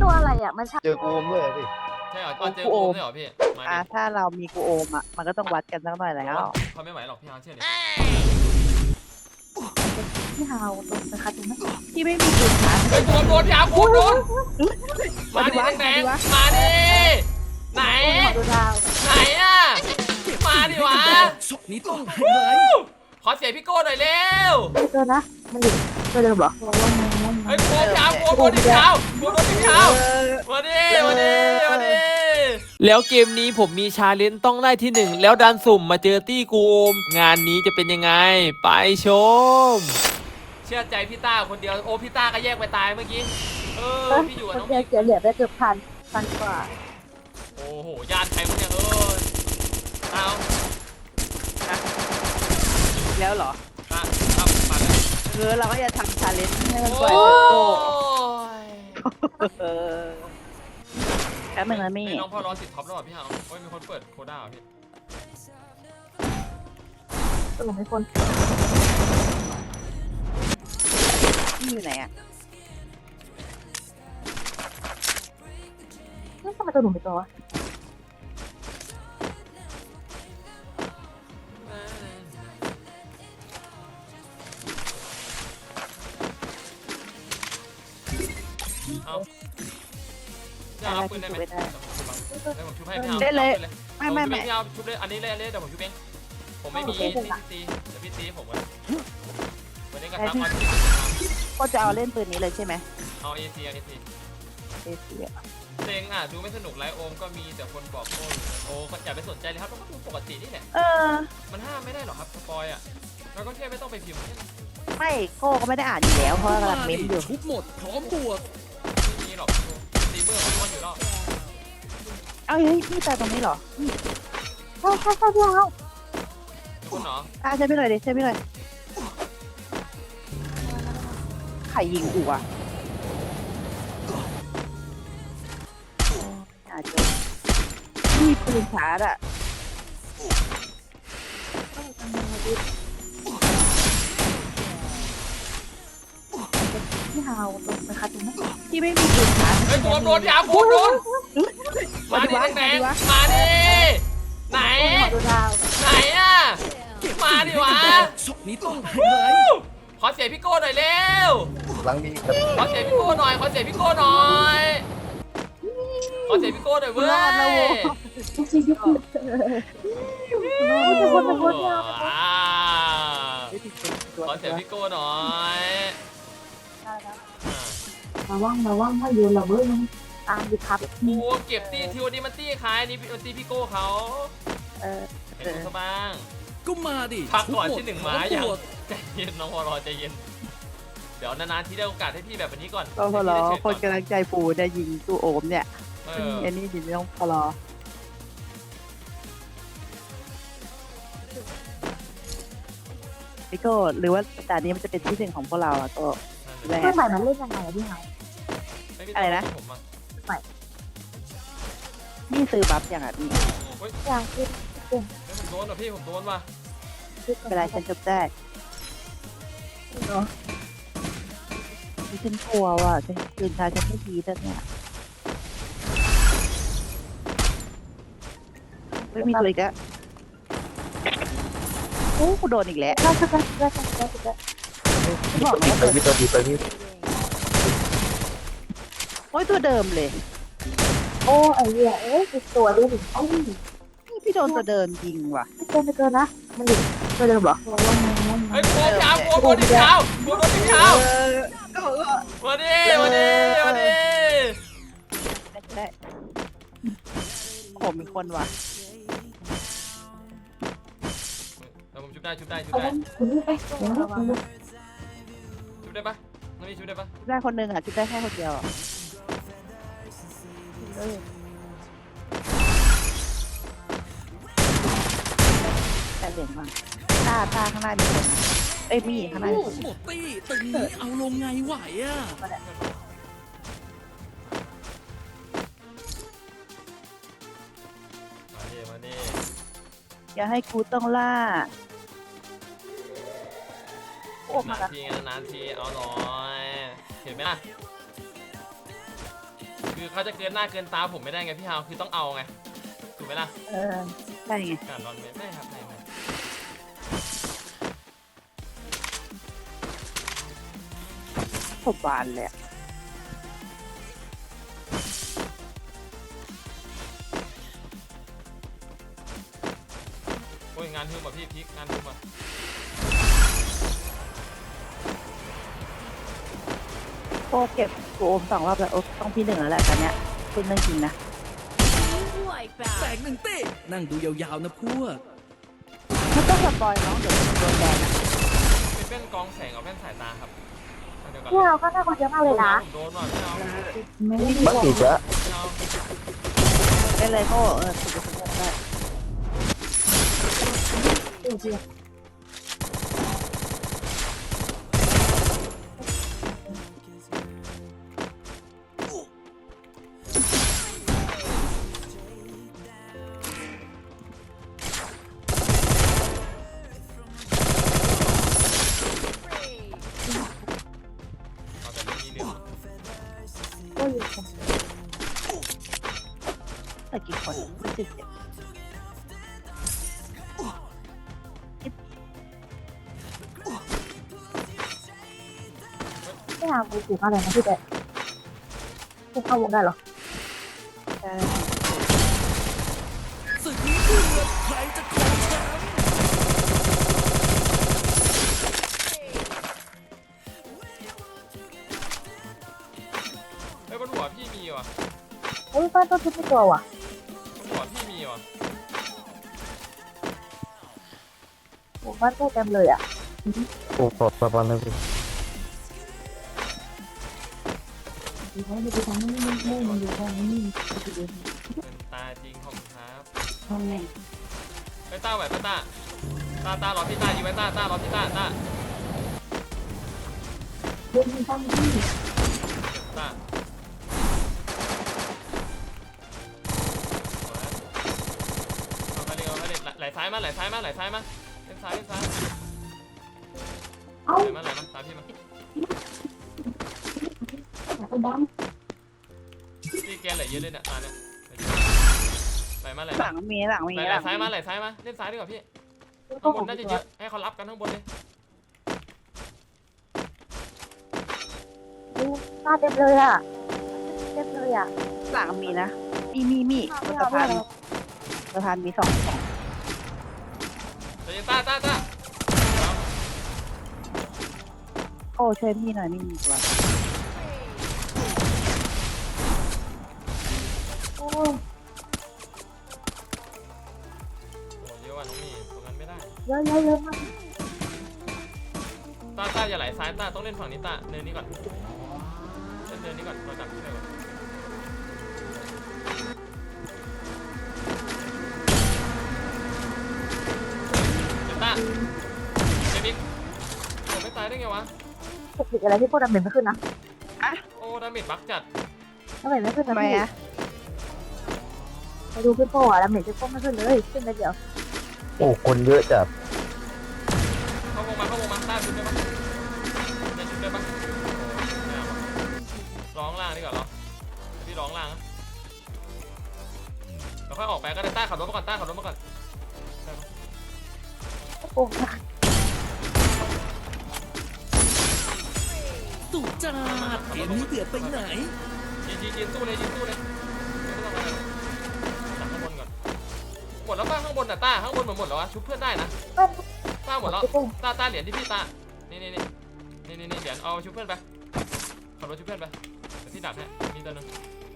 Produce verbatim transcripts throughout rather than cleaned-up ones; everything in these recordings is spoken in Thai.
ตัวอะไรอ่ะมันใช่เจอกูมด้วยสิใช่เหรออ๋อเจอกูด้วยเหรอพี่มาอ่ะดิถ้าเรามีกูโอมอ่ะมันก็ต้องวัดกันสักหน่อยแล้วเขาไม่ไหวหรอกพี่ฮาวเชื่อดิพี่ฮาวตรงไปคัดตรงนั้นที่ไม่มีปืนชาร์จเฮ้ยโดนโดนพี่ฮาวโดนโดนมาดิแดงๆมาดิไหนดูดาวไหนอ่ะมาดิวะศพนี้ต้องหายเลยขอเสียงพี่โก้หน่อยเร็วไม่เจอนะมันอยู่ตัวเดิมเหรอเฮ้ยโกงพี่ฮาวโกงโดนพี่ฮาวโกงโดนพี่ฮาวมาดิมาดิมาดิแล้วเกมนี้ผมมีชาเลนจ์ต้องได้ที่หนึ่งแล้วดันสุ่มมาเจอตี้กูโอมงานนี้จะเป็นยังไงไปชมเชื่อใจพี่ต้าคนเดียวโอ้พี่ต้าก็แยกไปตายเมื่อกี้เออพี่อยู่กับน้องเสียเสียเหลือได้เกือบพันพันกว่าโอ้โหญาติใครวะเนี่ยเออเอาแล้วเหรออ่ะครับมาแล้วเออเราก็จะทำชาเลนจ์ให้มันโอ้ปล่อยยเออแป๊บนึงนะมี่ไอ้น้องพ่อร้อนติดท็อปแล้วเหรอพี่ฮาวโอ้ยมีคนเปิดโคด้าเหรอพี่สรุปไม่คนมี่อยู่ไหนอ่ะนี่ทำไมตัวหนุ่มไปตัววะเอาจะรับปืนได้ไหมได้ผมชุบให้พี่ฮาวได้เลยไม่ไม่ไม่ไม่ไม่ไม่พี่ฮาวชุบเลยอันนี้เลยเลยเดี๋ยวผมชุบเองผมไม่มีตีตีเดี๋ยวพี่ตีผมก่อนวันนี้กระทำมาก็จะเอาเล่นปืนนี้เลยใช่ไหมเอาเอซีเอาเอซีเอเชียเซ็งอ่ะดูไม่สนุกไรโอมก็มีแต่คนบอกโอ้โอ้ก็อย่าไปสนใจเลยครับเราก็ดูปกตินี่แหละเออมันห้ามไม่ได้หรอกครับสปอยอ่ะเราก็แค่ไม่ต้องไปพิมพ์แค่นั้นไม่โก้ก็ไม่ได้อ่านอยู่แล้วเพราะกำลังเม้มอยู่ชุบหมดพร้อมบวกไม่มีหรอกตีเบอร์มันอยู่รอบเอาเฮ้ยพี่ตายตรงนี้เหรอใช่ใช่ใช่พี่ฮาวทุกคนเนาะอ่ะใช่พี่หน่อยดิใช่พี่หน่อยใครยิงอู่อ่ะอาจจะมีปืนชาร์จอ่ะพี่ฮาวตรงไปคัดตรงนั้นที่ไม่มีปืนชาร์จเฮ้ยโดนโดนยาโกนโดนมาดิแดงๆมาดิไหนดูดาวไหนอ่ะมาดิวะศพนี้ต้องหายเลยขอเสียงพี่โก้หน่อยเร็วหลังนี้ครับขอเสียงพี่โก้หน่อยขอเสียงพี่โก้หน่อยขอเสียงพี่โก้หน่อยเว้ยจริงจริงจริงจะคนจะคนยาวอ่าขอเสียงพี่โก้หน่อยมาว่างมาว่างให้ยืนเราเบิ้ลตามดิครับโอ้เก็บตีทีวันนี้มันตีใครนี่มันตีพี่โก้เขาเออเห็นซะบ้างก็มาดิพักก่อนชุบที่หนึ่งพร้ม้าออย่างบวกใจเย็นน้องวอรอใจเย็นเดี๋ยวนานๆที่ได้โอกาสให้พี่แบบนี้ก่อนก็พอรอคนกำลังใจฟูเนี่ยยิงตู้โอมเนี่ยเอซึ่งออันนี้ดิไม่ต้องพอรอพี่โก้หรือว่าตอนนี้มันจะเป็นที่หนึ่งของพวกเราอะก็แรเพื่อนใหม่มันเล่นยังไงอะพี่ฮาวอะไรนะผมอ่ะนี่ซื้อบัฟอย่างอ่ะนี่เฮ้ยอย่างที่ผมโดนว่ะพี่ผมโดนว่ะเวลาฉันจบได้ที่ฉันกลัวว่ะฉันตื่นเช้าฉันไม่ดีแล้วเนี่ยไม่มีตัวอีกแล้วโอ้กูโดนอีกแล้วน่าจะได้ได้ได้ได้บอกดีไปพี่ตัวดีไปพี่โอ้ยตัวเดิมเลยโอ้ไอ้เหี้ยเอ้ยตัวดูดิโอ้ยนี่พี่โดนตัวเดิมยิงว่ะไม่เกินไม่เกินนะมันอยู่ตัวเดิมเหรอเฮ้ยโกงยาวโกงโดนที่เท้าโกงโดนที่เท้ามาดิมาดิมาดิได้ผมมีคนว่ะเดี๋ยวผมชุบได้ชุบได้ชุบเอาได้คุณนี่ไปเดี๋ยวเราชุบได้ปะน้องนี่ชุบได้ปะได้คนหนึ่งอ่ะคิดได้แค่คนเดียวอ่ะแต่เหรียญมาตาตาข้างหน้ามีคนเอ้ยมีข้างหน้ามีคนหมดตี้ตึงนี้เอาลงไงไหวอ่ะมาดิมาดิอย่าให้กูต้องล่านานทีนานทีเอาหน่อยเห็นไหมล่ะคือเขาจะเกินหน้าเกินตาผมไม่ได้ไงพี่ฮาวคือต้องเอาไงถูกไหมล่ะเออใช่ไงการนอนไม่ไม่ครับไม่ไม่สบานเลยอะโอ้ยงานฮึ่มอ่ะพี่พีกงานฮึ่มอ่ะโอ้เก็บกูโอมสองรอบแล้วโอ้ต้องพี่หนึ่งแล้วแหละตอนเนี้ยคุณเรื่องจริงนะแตกหนึ่งเต้นั่งดูยาวๆนะพวกไม่ต้องสปอยน้องเดี๋ยวมันโดนแบนอะเป็นแว่นกรองแสงกับแว่นสายตาครับเอาเดี๋ยวก่อนพี่เราก็น่าคนเยอะมากเลยนะผมโดนว่ะพี่ฮาวไม่ได้บักอีกแล้วพี่ฮาวได้เลยโอ้เออสุดยอดได้เออเดียวเอาแต่ไม่มีเรื่องก็อยู่กันแต่กี่คนไม่สิบเจ็ดไม่เอาไปถูกอะไรนะพี่แต่พวกเข้าวงได้เหรอใช่ศึกนี้เดือดใครจะครองแชมป์เฮ้ยบนหัวพี่มีว่ะเฮ้ยบ้านต้นทุบไม่ตัวว่ะบนหัวพี่มีว่ะโอ้บ้านต้นเต็มเลยอ่ะโอ้ปลอดประมาณนั้นพี่ดีเขาไม่ไปทำไม่ไม่ไม่มันอยู่ตรงนี้เป็นตาจริงของครับทำไงไอ้ยต้าไหวปะต้าต้าต้ารอพี่ต้ายิงไว้ต้าต้ารอพี่ต้าต้าเรื่องมันตั้งที่เก็บต้าเอาไปเลยเอาไปเลยไหลซ้ายมาไหลซ้ายมาไหลซ้ายมาเล่นซ้ายเล่นซ้ายเอ้าไหลมาไหลมาตามพี่มาไอ้ดพี่แกนไหลเยอะเลยเนี่ยตาเนี่ยไหลมาไหลหมาลังมีหลังมีไหลหไหลลังซ้ายมาไหลซ้ายมาเล่นซ้ายดีกว่าพี่ำข้างบนน่าจะเยอะให้เขารับกันข้างบนเลยหน้าเต็มเลยอ่ะเต็มเลยอ่ะหลังมีนะมีมีมีบนสะพานสะพานมีสองสองเดี๋ยวต้าต้าต้าโอ้ช่วยพี่หน่อยไม่มีตัวโอ้โอ้เยอะว่ะน้องมีตรงนั้นไม่ได้เยอะเยอะเยอะมากต้าต้าอย่าไหลซ้ายต้าต้องเล่นฝั่งนี้ต้าเนินนี้ก่อนเล่นเนินนี้ก่อนเราจับที่ไหนก่อนเจ็บต้าเจ็บอีกโอ้ไม่ตายได้ไงวะปกติอะไรที่พวกดำเนินไม่ขึ้นนะโอ้ดาเมจบักจัดดำเนินไม่ขึ้นทำนะไมพี่อะไปดูพี่โป้อะดำเนินพี่โป้ไม่ขึ้นเลยขึ้นไปเดียวโอ้คนเยอะจัดเข้าวงมาเข้าวงมาต้าชุดได้ปะได้ชุดได้ปะไม่เอาร้องล่างดีกว่าเหรอพี่ร้องล่างนะเราค่อยออกไปก็ได้ต้าขับรถมาก่อนต้าขับรถมาก่อนได้ปะโอ้สุดจัดเกมนี้เดือดไปไหนยืนยืนยืนตู้เลยยืนตู้เลยไม่ต้องอะไรหรอกจับข้างบนก่อนหมดแล้วป้าข้างบนน่ะต้าข้างบนหมดหมดแล้ววะชุบเพื่อนได้นะบ้านต้าหมดแล้วพี่โป้ต้าต้าเหรียญที่พี่ต้านี่นี่นี่นี่นี่นี่เหรียญเอาชุบเพื่อนไปขับรถชุบเพื่อนไปเดี๋ยวพี่ดักให้มีตัวหนึง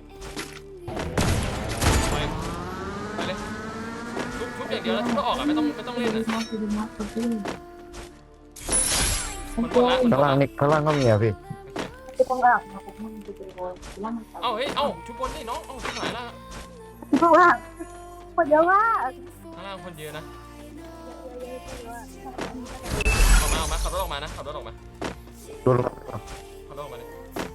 ไปไปเลยชุบชุบอย่างเดียวแล้วชุบแล้วออกอ่ะไม่ต้องไม่ต้องเล่นอ่ะมันหมดละมันหมข้างดล่างละนี่ข้างล่างก็มีอ่ะพี่พี่โป้ล่างมาผมมันจะเป็นโวยล่างเอ้าเฮ้ยเอ้าชุบบนนี่น้องเอ้าชุบหายละพี่โป้ล่างคนเยอะมากข้างล่างคนเยอะนะออกมาออกมาขับรถออกมานะขับรถออกมาโดนขับรถออกมาเลย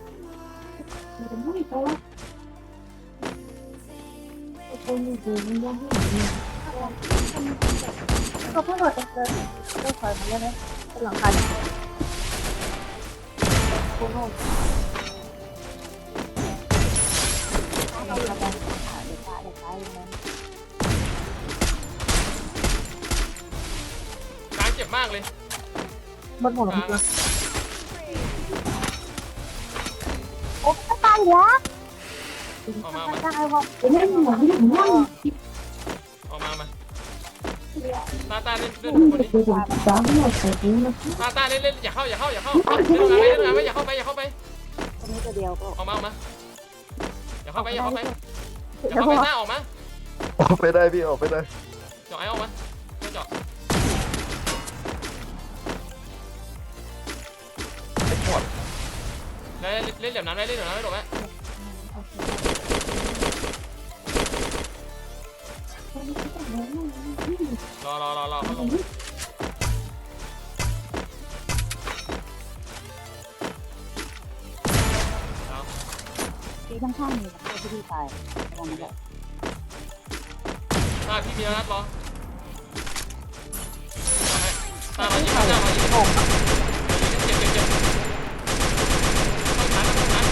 เขาเพิ่งเปิดเจอได้คอยมาแล้วนะเป็นหลังคาโอ้โหเลยบนหัวกลางมันโอ้ตายแล้วออกมามาตายว่ะเล่นหนังเล่นหนังออกมามาตาตาเล่นเล่นคนนี้สามหมดเลยนะตาตาเล่นเล่นอย่าเข้าอย่าเข้าอย่าเข้าเล่นงานไว้เล่นงานไว้อย่าเข้าไปอย่าเข้าไปตรงนี้ตัวเดียวก็ออกมาออกมาอย่าเข้าไปอย่าเข้าไปอย่าเข้าไปหน้าออกมาออกไปได้พี่ออกไปได้เจาะไอ้ออกมาเจาะไม่หมดเล่นเล่นเหลี่ยมน้ำได้เล่นเหลี่ยมน้ำได้หรอไหมรอรอรอรอเขาลงที่ข้างๆมีตัวที่พี่ตายตรงนี้แหละตาพี่มีนัดรอตามายิงตามายิงโอ้เจ็บเจ็บเจ็บต้องชันต้องชัน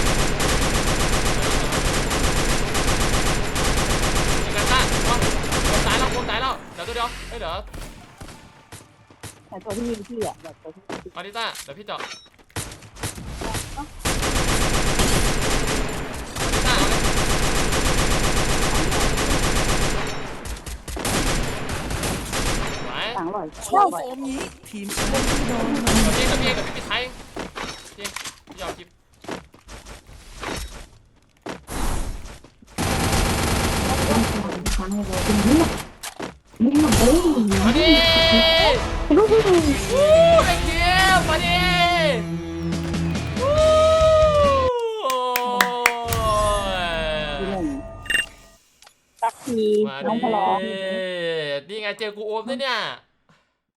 ยิงกันตาโดนตายแล้วโดนตายแล้วเดี๋ยวตัวเดียวเฮ้ยเดี๋ยวแต่ตัวที่ยิงพี่อ่ะแบบตัวที่ยิงมาดิต้าเดี๋ยวพี่เจาะมาดิต้าเอาเลยไหวต่างอร่อยโชว์ฟอร์มนี้ทีมชนะที่โดนกับพี่กับพี่กับพี่ปิดไทยจริงพี่ยอมคลิปมาดิวู้ไอ้เกียร์มาดิวู้ที่หนึ่งสักทีมาน้องพลอดินี่ไงเจอกูโอมด้วยเนี่ย